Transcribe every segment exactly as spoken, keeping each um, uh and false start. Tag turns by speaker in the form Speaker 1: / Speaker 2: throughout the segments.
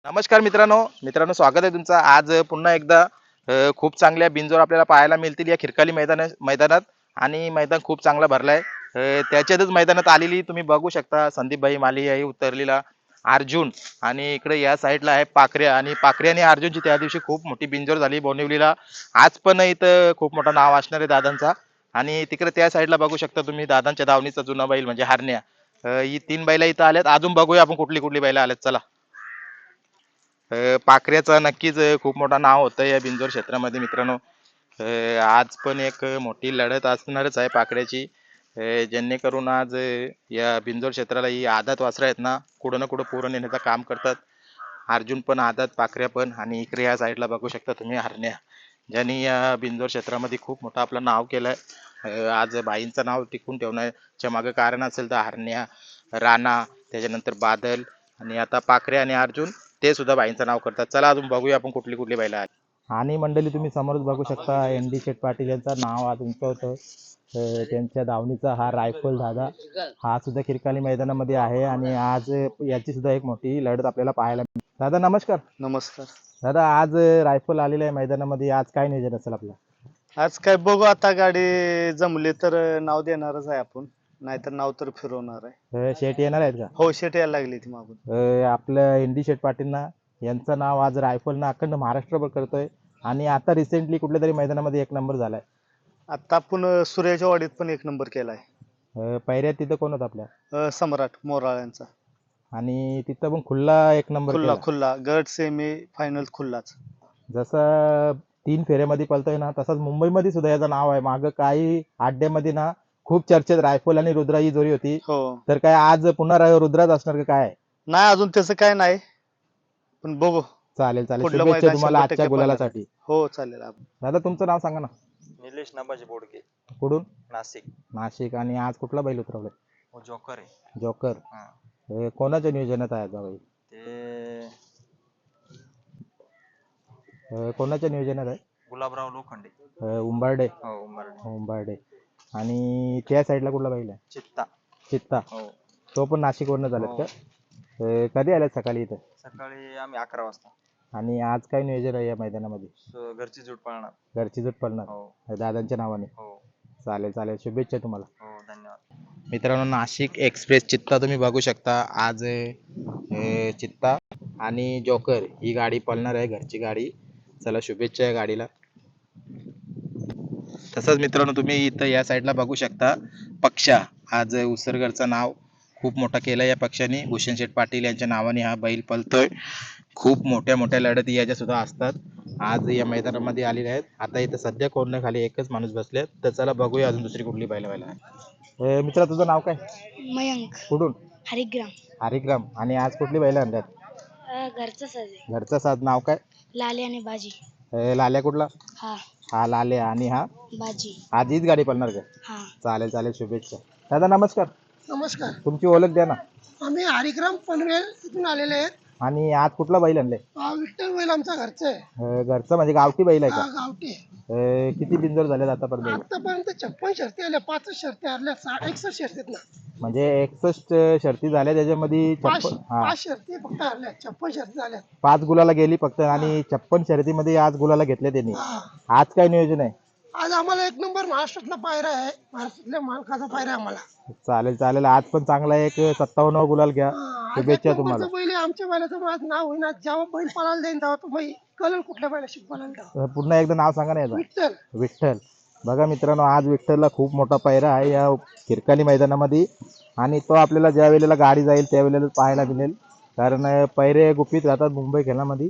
Speaker 1: नमस्कार मित्रांनो मित्रांनो स्वागत आहे तुमचं आज पुन्हा एकदा अ, खूप चांगल्या बिनजोड आपल्याला पाहायला मिळतील या खिरकाली मैदान मैदानात आणि मैदान खूप चांगला भरलाय अ, त्याच्यातच मैदानात आलेली तुम्ही बघू शकता संदीपभाई माली आहे उतरलेला अर्जुन आणि इकडे या साईडला आहे पाखऱ्या आणि पाखऱ्या आणि अर्जुनची त्या दिवशी खूप मोठी बिनजोड झाली बोनिवलीला आज पण इथं खूप मोठं नाव असणार आहे दादांचा आणि तिकडे त्या साईडला बघू शकता तुम्ही दादांच्या दावणीचा जुना बैल म्हणजे हरण्या अ, ही तीन बैला इथं आल्यात अजून बघूया आपण कुठली कुठली बैला आल्यात चला अ, पाखऱ्याचं नक्कीच अ, खूप मोठं नाव होतं या बिंजोर क्षेत्रामध्ये मित्रांनो अ, आज पण एक मोठी लढत असणारच आहे पाखऱ्याची अ, जेणेकरून आज अ, या बिंजोर क्षेत्राला ही आदात वासरं आहेत ना कुठं ना कुठं पुढं नेण्याचं काम करतात अर्जुन पण आदात पाखऱ्या पण आणि इकडे या साईडला बघू शकता तुम्ही हरण्या ज्यांनी या बिंजोर क्षेत्रामध्ये खूप मोठं आपलं नाव केलंय अ, आज बाईंचं नाव टिकून ठेवण्याच्या मागे कारण असेल तर हरण्या राणा त्याच्यानंतर बादल आणि आता पाखरे आणि अर्जुन ते सुद्धा बाईंचं नाव करतात चला अजून बघूया आपण कुठली कुठली बैल आहेत आणि मंडळी तुम्ही समोरच बघू शकता एन डी शेठ पाटील यांचं नाव आज उंचावतं अं, त्यांच्या दावणीचा हा रायफल दादा हा सुद्धा खिरकाली मैदानामध्ये आहे आणि आज याची सुद्धा एक मोठी लढत आपल्याला पाहायला मिळते दादा नमस्कार
Speaker 2: नमस्कार.
Speaker 1: दादा आज रायफल आलेला आहे मैदानामध्ये आज काय नियोजन असेल आपलं
Speaker 2: आज काय बघू आता गाडी जमली तर नाव देणारच आहे आपण नाहीतर नाव तर फिरवणार आहे.
Speaker 1: अं, शेठ येणार आहेत का
Speaker 2: हो शेट यायला लागली ती मागून.
Speaker 1: अं, आपलं एन डी शेठ पाटीलना यांचं नाव आज रायफलनं अखंड महाराष्ट्रभर करतोय आणि आता रिसेंटली कुठल्या तरी मैदानामध्ये एक नंबर झालाय
Speaker 2: आता आपण सूर्याच्या वाडीत पण एक नंबर केलाय.
Speaker 1: अं, पहिऱ्यात तिथं कोण होतं आपल्या
Speaker 2: अं, सम्राट मोराळ्यांचा
Speaker 1: आणि तिथं पण खुल्ला एक नंबर
Speaker 2: खुल्ला
Speaker 1: केला
Speaker 2: खुल्ला गट सेमी फायनल खुल्लाच.
Speaker 1: जसं तीन फेऱ्यामध्ये पळतोय ना तसंच मुंबईमध्ये सुद्धा याचं नाव आहे मागं काही अड्ड्यामध्ये ना खूप चर्चेत रायफल आणि रुद्रा ही जोडी होती
Speaker 2: हो
Speaker 1: तर काय आज पुन्हा रा- रुद्राच असणार का काय
Speaker 2: नाही अजून त्याचं काय नाही पण बघू
Speaker 1: चालेल चालेल
Speaker 2: पुढलं
Speaker 1: शुभेच्छा
Speaker 2: मैदान
Speaker 1: तुम्हाला
Speaker 2: शंभर
Speaker 1: आजच्या
Speaker 2: टक्के
Speaker 1: गुलालासाठी
Speaker 2: हो चालेल आपण.
Speaker 1: दादा तुमचं नाव सांगा ना
Speaker 3: निलेश नबाजी बोडके
Speaker 1: कुठून
Speaker 3: नाशिक
Speaker 1: नाशिक आणि आज कुठला बैल उतरवलाय
Speaker 3: हो जोकर आहे
Speaker 1: जोकर
Speaker 3: हा
Speaker 1: हे कोणाच्या नियोजनात आहे आता बैल
Speaker 3: ते
Speaker 1: हे कोणाच्या नियोजनात आहे
Speaker 3: गुलाबराव लोखंडे
Speaker 1: हे उंबारडे
Speaker 3: हो उंबरडे
Speaker 1: उंबारडे आणि त्या साईडला कुठला बैल आहे
Speaker 3: चित्ता
Speaker 1: चित्ता
Speaker 3: हो
Speaker 1: तो पण नाशिकवरनं झालेत
Speaker 3: हो.
Speaker 1: का हे कधी आल्यात सकाळी इथं
Speaker 3: सकाळी आम्ही अकरा वाजता
Speaker 1: आणि आज काय नियोजन आहे या मैदानामध्ये
Speaker 3: स- घरची जूट पाळणार
Speaker 1: घरची जूट पडणार
Speaker 3: हो
Speaker 1: दादांच्या नावाने
Speaker 3: हो
Speaker 1: चालेल चालेल शुभेच्छा तुम्हाला
Speaker 3: हो धन्यवाद
Speaker 1: मित्रांनो नाशिक एक्सप्रेस चित्ता तुम्ही बघू शकता आज अं, चित्ता आणि जोकर ही गाडी पळणार आहे घरची गाडी चला शुभेच्छा या गाडीला तसंच मित्रांनो तुम्ही इथं या साईडला बघू शकता पक्षा आज उसरगडचं नाव खूप मोठा केलं या पक्षाने भूषण शेठ पाटील यांच्या नावाने हा बैल पळतोय खूप मोठ्या मोठ्या लढती याच्या सुद्धा असतात आज या मैदानामध्ये आलेले आहेत आता इथं सध्या कोण खाली एकच माणूस बसले तर चला बघूया अजून दुसरी कुठली बैल व्हायला मित्रा तुझं नाव काय
Speaker 4: मयंक
Speaker 1: कुठून
Speaker 4: हरिग्राम
Speaker 1: हरिग्राम आणि आज कुठली बैल आणल्यात
Speaker 4: अ, घरचं साजे
Speaker 1: घरचं साज नाव काय
Speaker 4: लाले आणि बाजी
Speaker 1: अं, लाल्या कुठला
Speaker 4: हा
Speaker 1: हा लाल्या आणि हा
Speaker 4: बाजी
Speaker 1: आज हीच गाडी पळणार का
Speaker 4: हा
Speaker 1: चालेल चालेल शुभेच्छा दादा नमस्कार
Speaker 5: नमस्कार.
Speaker 1: तुमची ओळख द्या ना
Speaker 5: आम्ही हरिग्राम पनवेल इथून आलेले आहेत.
Speaker 1: आणि आज कुठला बैल आणलाय
Speaker 5: हा विठ्ठल बैल आमचा घरचा आहे.
Speaker 1: अं, घरचं म्हणजे गावठी बैल आहे
Speaker 5: हा
Speaker 1: का
Speaker 5: गावठी आहे.
Speaker 1: अं, किती बिंजोर झालेत आतापर्यंत
Speaker 5: आतापर्यंत छप्पन शर्ती आल्या, पाच शर्ती हरल्या, साठ एकसष्ट शर्तीत ना
Speaker 1: म्हणजे एकसष्ट शर्ती झाल्या त्याच्यामध्ये
Speaker 5: पाच
Speaker 1: छप्पन हा
Speaker 5: पाच शर्ती फक्त हरल्या, छप्पन शर्ती झाल्या.
Speaker 1: पाच गुलाला गेली फक्त आणि छप्पन शर्यतीमध्ये आज गुलाला घेतले त्यांनी
Speaker 5: हा.
Speaker 1: आज काय नियोजन आहे
Speaker 5: आज आम्हाला एक नंबर महाराष्ट्रातला पायरा आहे, महाराष्ट्रातल्या मालकाचा पायरा आहे आम्हाला.
Speaker 1: चालेल चालेल आज पण चांगला एक सत्तावन्न गुलाल घ्या
Speaker 5: हा, आज एक
Speaker 1: शुभेच्छा
Speaker 5: नंबरचं
Speaker 1: तुम्हाला
Speaker 5: बैल आहे, आमच्या बैलाचं आज नाव होईना. जेव्हा बैल पळायला जाईन तेव्हा तुम्ही कळेल कुठल्या बैलाशी पळायला तेव्हा.
Speaker 1: अं, पुन्हा एकदा नाव सांगा ना याचं
Speaker 5: विठ्ठल
Speaker 1: विठ्ठल बघा मित्रांनो आज विठ्ठलला खूप मोठा पायरा आहे या खिरकाली मैदानामध्ये आणि तो आपल्याला ज्या वेळेला गाडी जाईल त्यावेळेला पाहायला मिळेल कारण अं, पैरे गुपित राहतात मुंबई खेळामध्ये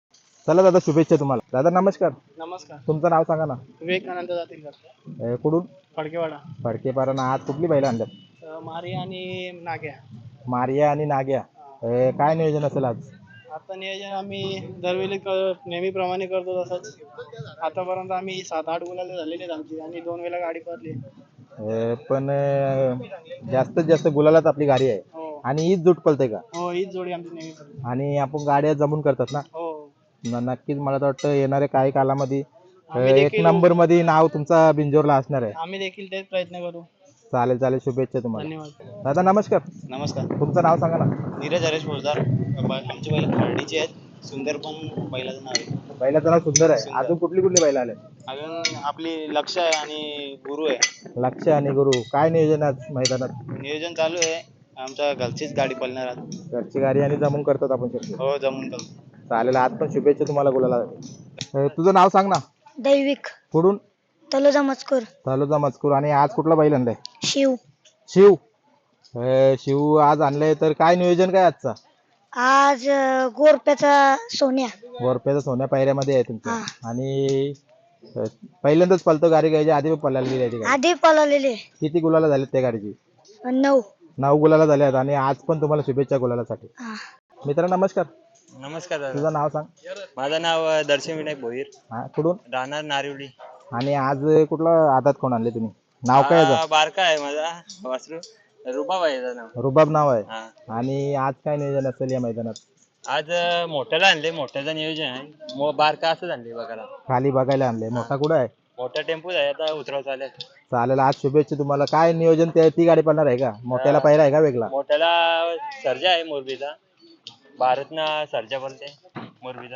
Speaker 1: चला दादा शुभेच्छा तुम्हाला दादा नमस्कार
Speaker 5: नमस्कार.
Speaker 1: तुमचं नाव सांगा ना
Speaker 5: विवेकानंद जातील
Speaker 1: अं, कुठून
Speaker 5: फडकेवाडा
Speaker 1: फडकेपारानं आज कुठली बैल आणल्यात
Speaker 5: मारी आणि नाग्या.
Speaker 1: मारिया आणि नाग्या अं, काय नियोजन असेल आज
Speaker 5: आता नियोजन आम्ही दरवेळी क- नेहमीप्रमाणे करतो तसंच. आतापर्यंत आम्ही सात आठ गुलाले झालेले आहेत आमची आणि दोन वेळा गाडी पडली.
Speaker 1: अं, पण अं, जास्तीत जास्त गुलालात आपली गाडी आहे
Speaker 5: हो
Speaker 1: आणि हीच जुट पलते का
Speaker 5: हो हीच जोडी आमची नेहमी करतो.
Speaker 1: आणि आपण गाड्या जमून करतात ना
Speaker 5: हो
Speaker 1: न- नक्कीच मला तर वाटतं येणाऱ्या काही कालामध्ये अं,
Speaker 5: आम्ही
Speaker 1: एक
Speaker 5: देखील-
Speaker 1: नंबर मध्ये नाव तुमचा बिंजोरला असणार आहे
Speaker 5: आम्ही देखील तेच प्रयत्न करू.
Speaker 1: चालेल चालेल शुभेच्छा तुम्हाला
Speaker 5: धन्यवाद.
Speaker 1: दादा नमस्कार
Speaker 2: नमस्कार.
Speaker 1: तुमचं नाव सांगा ना
Speaker 2: नीरज हरेश फौजदार
Speaker 5: आमचे बैल खर्डीचे आहेत. सुंदर पण बैलाचं नाव आहे.
Speaker 1: बैलाचं नाव सुंदर आहे.
Speaker 5: सुंदर.
Speaker 1: अजून कुठली कुठली बैल आले?
Speaker 5: अजून आपली लक्ष आहे आणि गुरु आहे.
Speaker 1: लक्ष आणि गुरु. काय नियोजन आहे आज मैदानात?
Speaker 5: नियोजन चालू आहे. आमच्या घरचीच गाडी पळणार आज.
Speaker 1: घरची गाडी आणि जमून करतात आपण शक्य.
Speaker 5: हो जमून करतो.
Speaker 1: चालेल, आज पण शुभेच्छा तुम्हाला गुलाला. अं, तुझं नाव सांग ना.
Speaker 4: दैविक
Speaker 1: कुठून?
Speaker 4: तलोजा मजकूर
Speaker 1: तालुका मजकूर. आणि आज कुठला बैल आणलाय?
Speaker 4: शिव.
Speaker 1: शिव. अं, शिव आज आणलंय, तर काय नियोजन काय आजचा?
Speaker 4: आज अं, गोरप्याचा सोन्या.
Speaker 1: वरप्याचा सोन्या पायऱ्यामध्ये आहे तुमच्या.
Speaker 4: हा.
Speaker 1: आणि अं, पहिल्यांदाच पलतो गाडी घ्यायची, आधी पण पळायला गेली आहे ती गाडी.
Speaker 4: आधी पळवलेले
Speaker 1: किती गुलाला झालेत त्या गाडीची?
Speaker 4: नऊ.
Speaker 1: नऊ गुलाला झाल्यात. आणि आज पण तुम्हाला शुभेच्छा गुलालासाठी.
Speaker 4: हा.
Speaker 1: मित्र नमस्कार.
Speaker 5: नमस्कार दादा.
Speaker 1: तुझं नाव सांग.
Speaker 5: माझं नाव दर्शन विनायक भोईर,
Speaker 1: हा, कुठून?
Speaker 5: राहणार नारिवली.
Speaker 1: आणि आज कुठला आदात कोण आणले तुम्ही? नाव काय याचं?
Speaker 5: बारका आहे माझा वासरू. रुबाब आहे त्याचं नाव.
Speaker 1: रुबाब नाव आहे.
Speaker 5: हा.
Speaker 1: आणि आज काय नियोजन असेल या मैदानात?
Speaker 5: आज मोठ्याला आणले. मोठ्याचं नियोजन आहे. मो- बारका असंच आणले बघायला.
Speaker 1: खाली बघायला आणले. मोठा कुठं आहे?
Speaker 5: मोठा टेम्पो आहे आता उतरव चालेल.
Speaker 1: चालेल, आज शुभेच्छा तुम्हाला. काय नियोजन ते ती गाडी पडणार आहे का? मोठ्याला पायरा आहे का वेगळा?
Speaker 5: मोठ्याला सर्जा आहे मोरबीचा. भारतना सर्जा बोलते मोरबीचा.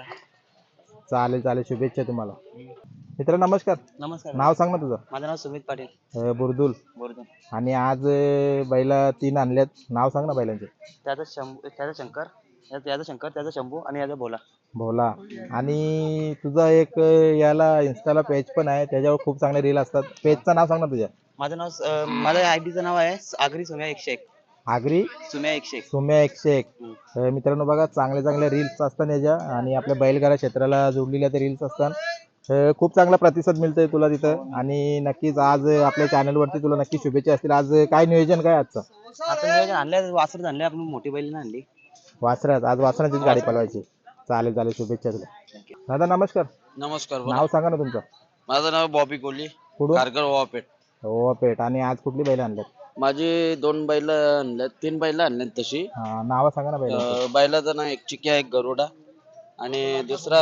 Speaker 1: चालेल चालेल, शुभेच्छा तुम्हाला. मित्र नमस्कार.
Speaker 5: नमस्कार.
Speaker 1: नाव सांग ना तुझं.
Speaker 5: माझं नाव सुमित पाटील
Speaker 1: अं, बुरदुल.
Speaker 5: बोरदून.
Speaker 1: आणि आज अं, बैला तीन आणल्यात. नाव सांग ना बैलांचे.
Speaker 5: त्याचा शंभू त्याचा शंकर याचा शंकर त्याचा शंभू आणि याचा भोला.
Speaker 1: भोला. आणि तुझा एक अं, याला इन्स्टाला पेज पण आहे, त्याच्यावर खूप चांगले रील असतात. पेजचं नाव सांग ना तुझ्या.
Speaker 5: माझं नाव अं, माझ्या आय डीचं नाव आहे आगरी सोम्या एकशे एक.
Speaker 1: आगरी
Speaker 5: सोम्या एकशे एक.
Speaker 1: सोम्या एकशे एक. अं, मित्रांनो बघा, चांगले चांगले रील्स असतात याच्या. आणि आपल्या बैलगाडा क्षेत्राला जोडलेल्या ते रील्स असतात. अं, खूप चांगला प्रतिसाद मिळतोय तुला तिथं. आणि नक्कीच आज आपल्या चॅनल वरती तुला नक्की शुभेच्छा असतील. आज काय नियोजन काय आजचं?
Speaker 5: आता नियोजन आणले वासर आणले आपण मोठी बैल आणली.
Speaker 1: वासरात आज वासराचीच गाडी पळवायची. चालेल चालेल, शुभेच्छा तुला. दादा नमस्कार.
Speaker 6: नमस्कार.
Speaker 1: नाव सांगा ना तुमचं.
Speaker 6: माझं नाव बॉबी कोहली,
Speaker 1: कुठून?
Speaker 6: कारगर वापेट.
Speaker 1: हो पेठ. आणि आज कुठली बैल आणल्यात?
Speaker 6: माझी दोन बैल आणल्यात, तीन बैल आणल्यात तशी.
Speaker 1: हा, नाव सांगा ना बैल.
Speaker 6: अं, बैलाचं नाव एक चिक्या, एक गरुडा आणि दुसरा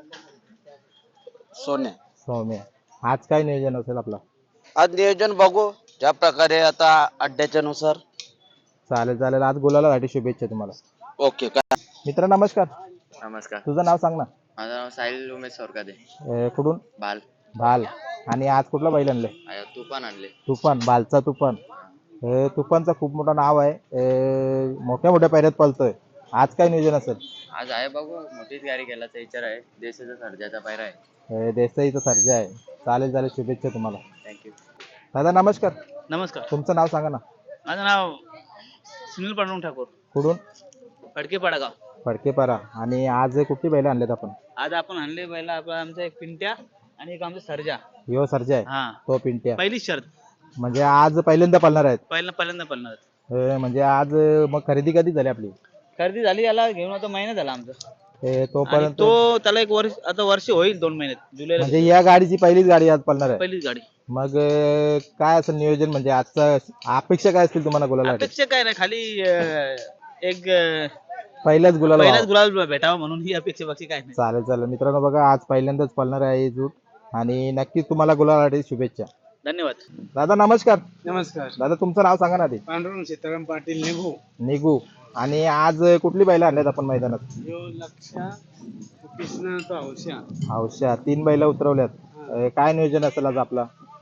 Speaker 6: सोन्या.
Speaker 1: सौम्य. आज काय नियोजन असेल आपलं?
Speaker 6: आज नियोजन बघू ज्या प्रकारे आता अड्ड्याच्या नुसार.
Speaker 1: चालेल चालेल, आज गुलालासाठी शुभेच्छा तुम्हाला.
Speaker 6: ओके. काय
Speaker 1: मित्र नमस्कार.
Speaker 3: नमस्कार.
Speaker 1: तुझं नाव सांग ना.
Speaker 3: माझं नाव साहिल उमेश सोरकादे.
Speaker 1: अं, कुठून?
Speaker 3: बाल.
Speaker 1: भाल. आणि आज कुठला बैल आणले?
Speaker 3: तुफान आणले.
Speaker 1: तुफान. भालचा तुफान. अं, तुफानचा खूप मोठं नाव आहे. अं, मोठ्या मोठ्या पायऱ्यात पळतोय. आज काय नियोजन असेल?
Speaker 3: आज आहे बघू, मोठीच गाडी केल्याचा विचार आहे. देशाचा सर्जाचा पायरा आहे.
Speaker 1: अं, देसाईचा सर्जा आहे. चालेल चालेल, शुभेच्छा तुम्हाला.
Speaker 3: थँक्यू.
Speaker 1: दादा नमस्कार.
Speaker 5: नमस्कार.
Speaker 1: तुमचं नाव सांगा ना.
Speaker 5: माझं नाव सुनील पांडुरंग ठाकूर,
Speaker 1: कुठून?
Speaker 5: फडके पाडागाव.
Speaker 1: फडकेपारा. आणि आज कुठली बैल आणलेत आपण?
Speaker 5: आज आपण आणले बैला आपला आमचा एक पिंट्या आणि एक आमचा सर्जा.
Speaker 1: यो सर्जा आहे.
Speaker 5: हा,
Speaker 1: तो पिंट्या.
Speaker 5: पहिलीच शर्त.
Speaker 1: म्हणजे आज पहिल्यांदा पळणार आहेत.
Speaker 5: पहिल्यांदा पहिल्यांदा पळणार.
Speaker 1: अं, म्हणजे आज अं, मग खरेदी कधी झाली आपली?
Speaker 5: खरेदी झाली, याला घेऊन आता महिना झाला आमचा.
Speaker 1: अं,
Speaker 5: आणि
Speaker 1: तोपर्यंत
Speaker 5: तो त्याला एक वर्ष आता वर्ष होईल दोन महिन्यात जुलैला.
Speaker 1: म्हणजे या गाडीची पहिलीच गाडी आज पळणार आहे.
Speaker 5: पहिलीच गाडी.
Speaker 1: मग अं, काय असं नियोजन, म्हणजे आजचं अपेक्षा काय असतील तुम्हाला गुलाला?
Speaker 5: अपेक्षा काय नाही, खाली अं, एक अं,
Speaker 1: पहिल्याच गुलाला
Speaker 5: पहिलाच
Speaker 1: व्हावं.
Speaker 5: गुलाल भेटावा म्हणून ही अपेक्षा, बाकी काय नाही.
Speaker 1: चालेल चालेल. मित्रांनो बघा, आज पहिल्यांदाच पळणार आहे ही जूट. आणि नक्कीच तुम्हाला गुलालासाठी शुभेच्छा.
Speaker 5: धन्यवाद.
Speaker 1: दादा नमस्कार.
Speaker 5: नमस्कार.
Speaker 1: दादा तुमचं नाव सांगा ना आधी.
Speaker 5: पांडुरंग सीताराम पाटील निघू.
Speaker 1: निघू. आणि आज कुठली बैल आणल्यात आपण मैदानात?
Speaker 5: यो लक्षा कृष्ण तो हौशा.
Speaker 1: हौशा. तीन बैल उतरवल्यात. अं, काय नियोजन असेल आज आपला?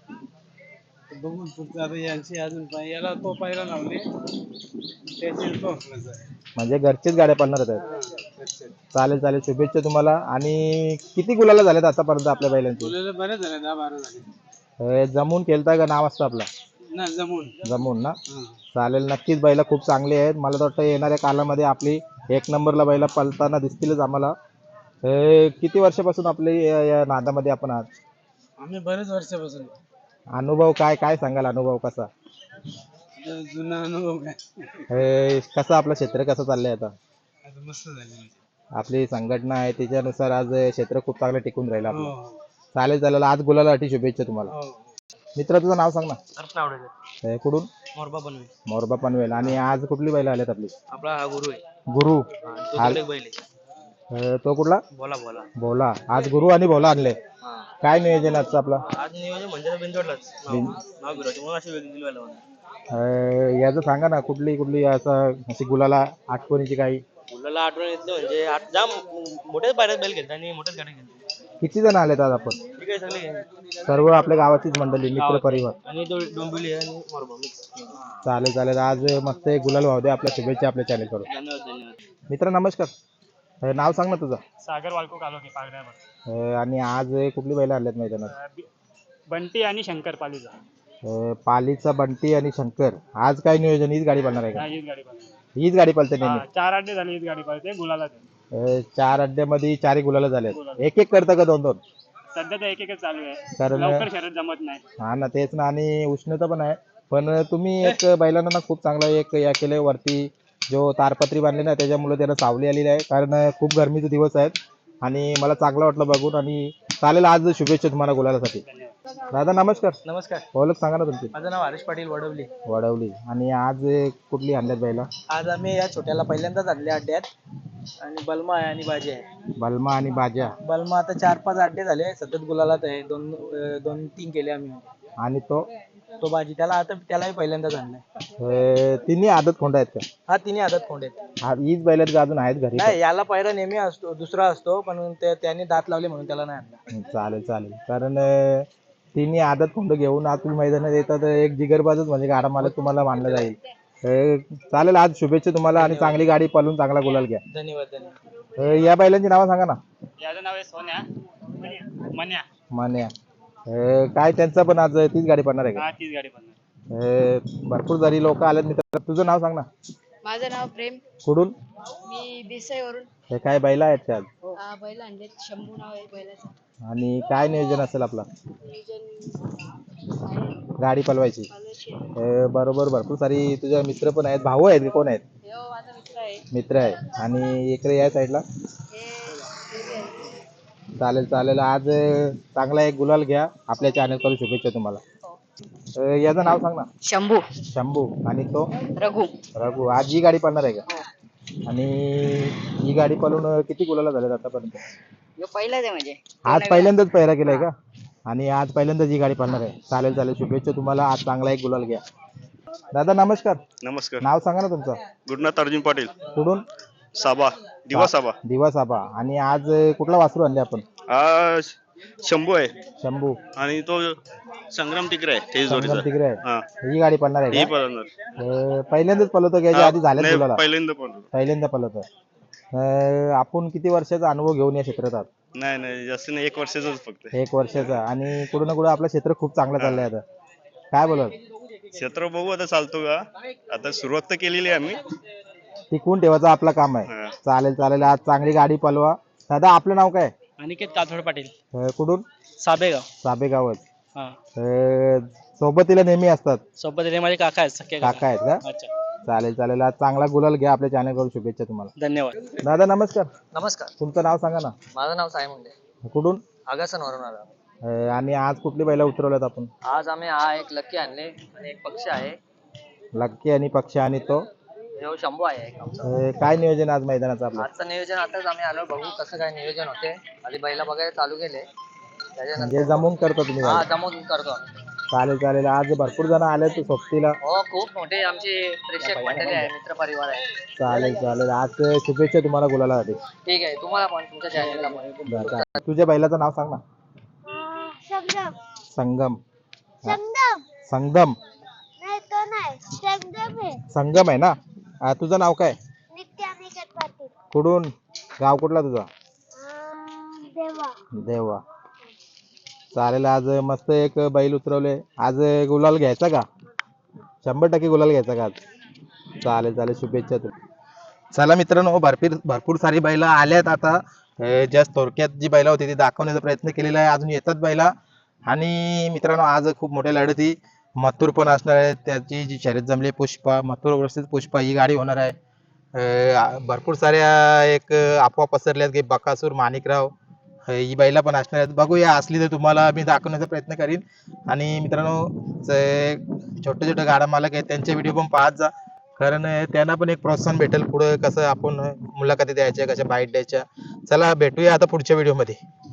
Speaker 5: बघून पुढचं आता यांची अजून पाय- याला तो पायला लावले त्याची तो
Speaker 1: म्हणजे घरचीच गाड्या पळणार आहेत. चालेल चालेल, शुभेच्छा तुम्हाला. आणि किती गुलाला झाल्यात आतापर्यंत आपल्या बैलांची?
Speaker 5: बोलायला बरेच झाले, दहा बारा झाले
Speaker 1: अं, जमून केलता का नाव असतं आपला?
Speaker 5: ना जमून.
Speaker 1: जमून ना. चालेल, नक्कीच बैला खूप चांगली आहेत. मला तर वाटतं येणाऱ्या कालामध्ये आपली एक नंबरला बैला पळताना दिसतीलच आम्हाला. अं, किती वर्षापासून आपली या या नादामध्ये आपण आहात?
Speaker 5: आम्ही बरेच वर्षापासून.
Speaker 1: अनुभव काय काय सांगाल? अनुभव कसा?
Speaker 5: जुना अनुभव काय,
Speaker 1: अं, कसं आपलं क्षेत्र कसं चाललंय आता?
Speaker 5: आता मस्त झाले.
Speaker 1: आपली संघटना आहे त्याच्यानुसार आज क्षेत्र खूप चांगलं टिकून राहिलं आपलं. चालेल चालेल, आज गुलालासाठी शुभेच्छा तुम्हाला. मित्र तुझं नाव सांग ना. अं, कुठून?
Speaker 5: मोरबा बनवे.
Speaker 1: मोरबा पनवेल. आणि आज कुठली बैल आल्यात आपली?
Speaker 5: आपला हा गुरु आहे.
Speaker 1: गुरु.
Speaker 5: तो
Speaker 1: हाल-
Speaker 5: तिकडे बैल आहे.
Speaker 1: अं, तो कुठला?
Speaker 5: बोला बोला.
Speaker 1: भोला. आज गुरु आणि भोला आणले. काय नियोजन आजचं आपलं?
Speaker 5: आज नियोजन म्हणजे बिंजोडलाच
Speaker 1: बिन-
Speaker 5: नाव बिराचे म्हणून अशी वेगळी दिली मला.
Speaker 1: अं, याचं सांगा ना, कुठली कुठली असं अशी गुलाला आठवणीची काही?
Speaker 7: आपल्याला आठवण येतलं म्हणजे आठ- जाम मोठ्याच पायऱ्यात बैल घेतात आणि मोठ्याच गाड्या घेतात.
Speaker 1: किती जण आलेत आज आपण?
Speaker 7: ठीक आहे सगळे
Speaker 1: सर्व आपल्या गावाचीच मंडळी, मित्र परिवार.
Speaker 7: आणि दो- डोंबिवली आणि मोरबा mix.
Speaker 1: चालेल चालेल. आज मस्त एक गुलाल वाहू दे. आपल्या शुभेच्छा आपल्या चॅनल करून.
Speaker 7: धन्यवाद धन्यवाद.
Speaker 1: मित्र नमस्कार. अ, नाव सांग ना तुझं.
Speaker 5: सागर वालको कालोखे पागड्यावर.
Speaker 1: अ, आणि आज कुठली बैल आणल्यात मैदानात?
Speaker 5: बंटी आणि शंकर पालीचा.
Speaker 1: अ, पालीचा बंटी आणि शंकर. आज काय नियोजन? हीच गाडी बनणार आहे का?
Speaker 5: हीच गाडी पाहिजे.
Speaker 1: हीच गाडी पळते नेहमी.
Speaker 5: चार अड्डे झाले हीच गाडी पाहिजे गुलाला.
Speaker 1: अ, चार अड्ड्यामध्ये चारही गुलाला झाले. एक एक करतं का दोन दोन?
Speaker 5: सध्या तर एक एकच चालू आहे.
Speaker 1: कारण
Speaker 5: लवकर शर्यत जमत नाही.
Speaker 1: हा ना, तेच ना. आणि उष्णता पण आहे. पण तुम्ही एक बैलांना ना खूप चांगला एक या केलंय वरती जो तारपत्री बांधली ना, त्याच्यामुळे त्याला सावली आलेली आहे. कारण खूप गरमीचे दिवस आहेत आणि मला चांगलं वाटलं बघून. आणि चालेल, आज शुभेच्छा तुम्हाला गुलालासाठी. दादा नमस्कार.
Speaker 7: नमस्कार.
Speaker 1: ओळख सांगा ना तुमची.
Speaker 7: माझं नाव हरीश पाटील वडवली.
Speaker 1: वडवली. आणि आज कुठली आणल्यात बैला?
Speaker 7: आज आम्ही या छोट्याला पहिल्यांदाच आणले अड्ड्यात आणि बलमा आहे आणि बाजी आहे.
Speaker 1: बलमा आणि बाजा.
Speaker 7: बलमा आता चार पाच अड्डे झाले सतत गुलालात आहे. दोन अं, दोन तीन केले आम्ही.
Speaker 1: आणि तो
Speaker 7: तो बाजी त्याला आता त्यालाही पहिल्यांदाच आणलाय.
Speaker 1: अ, तिन्ही आदत खोंड आहेत का?
Speaker 7: हा तिन्ही आदत खोंड आहेत.
Speaker 1: हा, हीच बैलात का अजून आहेत घरी?
Speaker 7: नाही याला पायरा नेहमी असतो दुसरा असतो पण ते त्याने दात लावले म्हणून त्याला नाही आणला.
Speaker 1: चालेल चालेल. कारण अ, तिन्ही आदत खोंड घेऊन आज तुम्ही मैदानात येतात. एक जिगरबाजच म्हणजे गाडा मालक तुम्हाला मानलं जाईल. अ, चालेल, आज शुभेच्छा तुम्हाला आणि चांगली गाडी पळून चांगला गुलाल घ्या.
Speaker 7: धन्यवाद धन्यवाद.
Speaker 1: अ, या बैलांची नावं सांगा ना.
Speaker 5: याचं नाव आहे सोन्या मन्या.
Speaker 1: मान्या. अ, काय त्यांचा पण आज तीच गाडी पडणार आहे का?
Speaker 5: हा तीच गाडी बनणार.
Speaker 1: अ, भरपूर जरी लोक आलेत मित्र. तुझं नाव सांग ना.
Speaker 8: माझं नाव प्रेम.
Speaker 1: कुठून?
Speaker 8: मी देसाईवरून.
Speaker 1: हे काय बैला आहेत का आज?
Speaker 8: अं, बैल आणले. शंभू नाव आहे बैलाचं.
Speaker 1: आणि काय नियोजन असेल आपला
Speaker 8: नियोजन
Speaker 1: गाडी पलवायची?
Speaker 8: कॉलेजचे.
Speaker 1: अ, बरोबर. भरपूर सारी तुझे मित्र पण आहेत. भाऊ आहेत की कोण आहेत?
Speaker 8: हो माझा मित्र आहे.
Speaker 1: मित्र आहे. आणि इकडे या साईडला.
Speaker 8: हे हे आहे.
Speaker 1: चालेल चालेल. आज अ, चांगला एक गुलाल घ्या. आपल्या चॅनल करून शुभेच्छा तुम्हाला.
Speaker 8: हो.
Speaker 1: अ, याचं नाव सांग ना.
Speaker 8: शंभू.
Speaker 1: शंभू. आणि तो
Speaker 8: रघु.
Speaker 1: रघु. आज ही गाडी पळणार आहे का? आणि ही गाडी पळून अ, किती गुलाला झालेत आतापर्यंत?
Speaker 8: यो पहिलाच आहे म्हणजे.
Speaker 1: आज पहिल्यांदाच पहिरा केलाय का? आणि आज पहिल्यांदाच ही गाडी पळणार आहे. चालेल चालेल. शुभेच्छा तुम्हाला. आज चांगला एक गुलाल घ्या. दादा नमस्कार.
Speaker 9: नमस्कार.
Speaker 1: नाव सांगा ना तुमचं.
Speaker 9: गुरुनाथ अर्जुन पाटील.
Speaker 1: कुठून?
Speaker 9: साबा दिवा साबा.
Speaker 1: दिवस आबा. आणि आज अ, कुठला वासरू आणले आपण?
Speaker 9: हा शंभू आहे
Speaker 1: शंभू.
Speaker 9: आणि तो संग्राम तिकडे आहे तेज
Speaker 1: संगम
Speaker 9: जोडीचा.
Speaker 1: तिकडे आहे.
Speaker 9: हा
Speaker 1: ही गाडी पळणार आहे
Speaker 9: ही
Speaker 1: का?
Speaker 9: पळणार.
Speaker 1: अ, पहिल्यांदाच पळवतो का? याच्या आधी झाल्यात
Speaker 9: नाही,
Speaker 1: गुलाला?
Speaker 9: पहिल्यांदा पळतो.
Speaker 1: पहिल्यांदा पळवतो. अ, आपण किती वर्षाचा अनुभव घेऊन या क्षेत्रात आहात?
Speaker 9: नाही नाही जास्त नाही, एक वर्षाचाच फक्त.
Speaker 1: एक वर्षाचा. आणि कुठं ना कुठं आपलं क्षेत्र खूप चांगलं चाललंय आता. काय बोलाल?
Speaker 9: क्षेत्र बघू आता चालतो का. आता सुरुवात तर केलेली आहे आम्ही.
Speaker 1: टिकवून ठेवायचं आपलं काम आहे.
Speaker 9: हा.
Speaker 1: चालेल चालेल. आज चांगली गाडी पळवा. दादा आपलं नाव काय?
Speaker 5: अनिकेत काथोड पाटील.
Speaker 1: अ, कुठून?
Speaker 5: साबेगाव.
Speaker 1: साबेगावच.
Speaker 5: हा.
Speaker 1: अ, सोबतीला नेहमी असतात.
Speaker 5: सोबत रे माझे काका आहेत सख्खे
Speaker 1: काका आहेत का?
Speaker 5: अच्छा.
Speaker 1: चालेल चालेल. आज चांगला गुलाल घ्या. आपल्या चॅनल करून शुभेच्छा तुम्हाला.
Speaker 5: धन्यवाद.
Speaker 1: दादा नमस्कार.
Speaker 7: नमस्कार.
Speaker 1: तुमचं नाव सांगा ना.
Speaker 7: माझं नाव साई मुंडे.
Speaker 1: कुठून?
Speaker 7: आगासनवरून आलो.
Speaker 1: अ, आणि आज कुठली बैला उतरवल्यात आपण?
Speaker 7: आज आम्ही हा एक लक्की आणले आणि एक पक्षी आहे.
Speaker 1: लक्की आणि पक्षी. आणि तो
Speaker 7: जो शंभू आहे एक आमचा.
Speaker 1: अ, काय नियोजन आज मैदानाचं आपलं?
Speaker 7: आजचं नियोजन आताच आम्ही आलो बघू कसं काय नियोजन होते. आधी बैला बघायला चालू केले त्याच्यानंतर
Speaker 1: म्हणजे जमून करता तुम्ही
Speaker 7: हा
Speaker 1: गाडी?
Speaker 7: जमून करतो आम्ही.
Speaker 1: चालेल चालेल. आज भरपूर जण आले तू सोबतीला.
Speaker 7: हो खूप मोठे आमची प्रेक्षक मंडळी आहे मित्र परिवार आहे.
Speaker 1: चालेल चालेल. आज शुभेच्छा तुम्हाला गुलालासाठी.
Speaker 7: ठीक आहे तुम्हाला पण तुमच्या चॅनलला पण.
Speaker 1: बरं, चालेल. तुझ्या बैलाचं नाव सांग ना.
Speaker 4: संगम.
Speaker 1: संगम.
Speaker 4: संगम.
Speaker 1: संगम.
Speaker 4: नाही तो नाही. संगम आहे.
Speaker 1: संगम आहे ना. अ, तुझं नाव काय?
Speaker 4: नित्य अनिकेत पाटील.
Speaker 1: कुठून? गाव कुठला तुझा?
Speaker 4: अं, देवा.
Speaker 1: देवा. चालेल. आज मस्त एक बैल उतरवले. आज गुलाल घ्यायचा का? शंभर टक्के गुलाल घ्यायचा का आज? चालेल चालेल. शुभेच्छा तू. चला मित्रांनो, भरपूर भरपूर सारी बैला आल्यात आता. जस्ट थोडक्यात जी बैला होती ती दाखवण्याचा प्रयत्न केलेला आहे. अजून येतात बैला. आणि मित्रांनो आज खूप मोठ्या लढती मथुर पण असणार आहे. त्याची जी शर्यत जमली पुष्पा मथुर वर्सेस पुष्पा ही गाडी होणार आहे. अ, भरपूर साऱ्या एक अफवा पसरल्यात की बकासूर माणिकराव अ, ही बैला पण असणार आहेत. बघूया असली तर तुम्हाला मी दाखवण्याचा प्रयत्न करीन. आणि मित्रांनो जे छोटे छोटे गाडा मालक आहेत त्यांचे व्हिडिओ पण पाहत जा. कारण त्यांना पण एक प्रोत्साहन भेटेल पुढे कसं आपण मुलाखती द्यायच्या कशा बाईट द्यायच्या. चला भेटूया आता पुढच्या व्हिडिओ मध्ये.